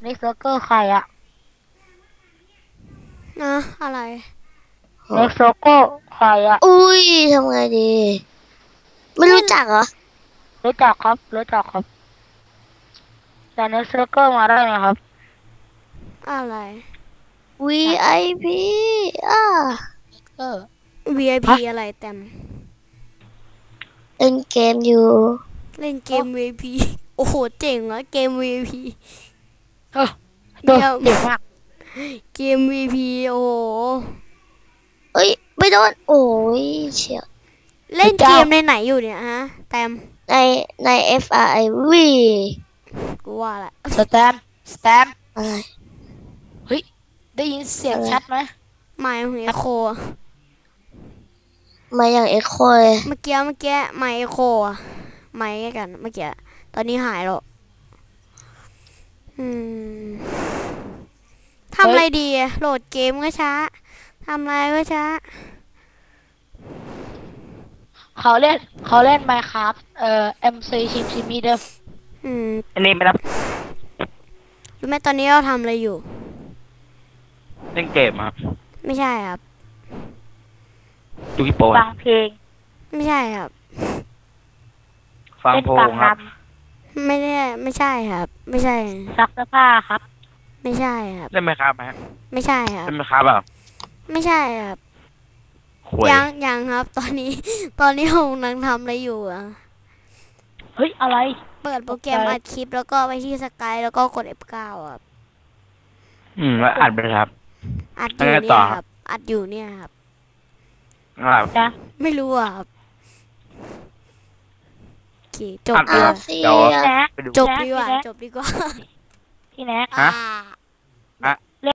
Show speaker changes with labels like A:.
A: ในเซิร์ฟเวอร์ใครอะ
B: นะอะไร
A: ในเซิร์ฟเวอร์ใครอะ
C: อุ้ยทำไงดี ไม่รู้จักเหรอ
A: รู้จักครับรู้จักครับแต่ในเซิร์ฟเวอร์มาได้ไหมครับ
B: อะไร
C: VIP อ่า
A: เออ
B: VIP
A: ฮะ
B: อะไรแต้ม
C: เล่นเกมอยู่
B: เล่นเกม VIP โอ้โหเจ๋งวะเกม VIP
A: เออเดี๋
B: เดี๋ยว
A: เดี๋ยวมาก
B: เกม VIP โอ้โห
C: เอ้ยไม่โดนโอ้ยเฉียว
B: เล่นเกมในไหนอยู่เนี่ยฮะแต้ม
C: ในใน FRIV
B: กูว่าแหละ
A: สแตม
C: อะไร
A: เฮ้ยได้ยินเสียงชัดไหม
B: ไมค์ของเอโค
C: มาอย่างเอ็กโคเลย
B: เมื่อกี้ไมค์เอโคอะไมค์กันเมื่อกี้ตอนนี้หายแล้วอืมทำอะไรดีอะโหลดเกมก็ช้าทำอะไรก็ช้า
A: เขาเล่น Minecraft MC ชิมมีเดิม
B: อืม
A: อันนี้ไม่รับ
B: รู้ไหมตอนนี้เราทำอะไรอยู่
D: เล่นเกมครับ
B: ไม่ใช่ครับ
D: ดูฮิปโป
A: ฟังเพลง
B: ไม่ใช่ครับ
D: ฟัง
A: เล่น
D: โพ
A: ฟัง
D: ค
A: น
D: รับ
B: ไม่ใช่ครับ ไม่ใช่
A: ำซักเสื้อผ้าครับ
B: ไม่ใช่ครับ
D: เล่นไหมครับฮะ
B: ไม่ใช่ครับ
D: เล่นไหมครับเปล่า
B: ไม่ใช่ครับ
D: หวย
B: ยังครับ ตอนนี้ ตอนนี้ผมกำลังทำอะไรอยู่อะ
A: เฮ้ยอะไร
B: เปิดโปรแกรมอัดคลิปแล้วก็ไปที่สกายแล้วก็กด F9 ครับ
D: แล้วอัดไปเลยครับ
B: อัดอยู่
D: แล้วไง
B: เนี่
D: ต่
B: ย
D: อ
B: ค
D: ครั
B: รับ บ อัดอยู่เนี่ยครับ
D: ครับ
A: นะ
B: ไม่รู้อะครับโอเคจบ
D: อัด
B: ดี
D: เล
B: ก
D: ย
B: ว่า
C: เสี
D: เดี๋ยวย
A: แนะ
D: ไปดู
B: จบดีกว่า
A: แนะ
B: จบดีกว่า
A: พี่แน็ก
D: ฮะ
B: อ่า
D: ฮะ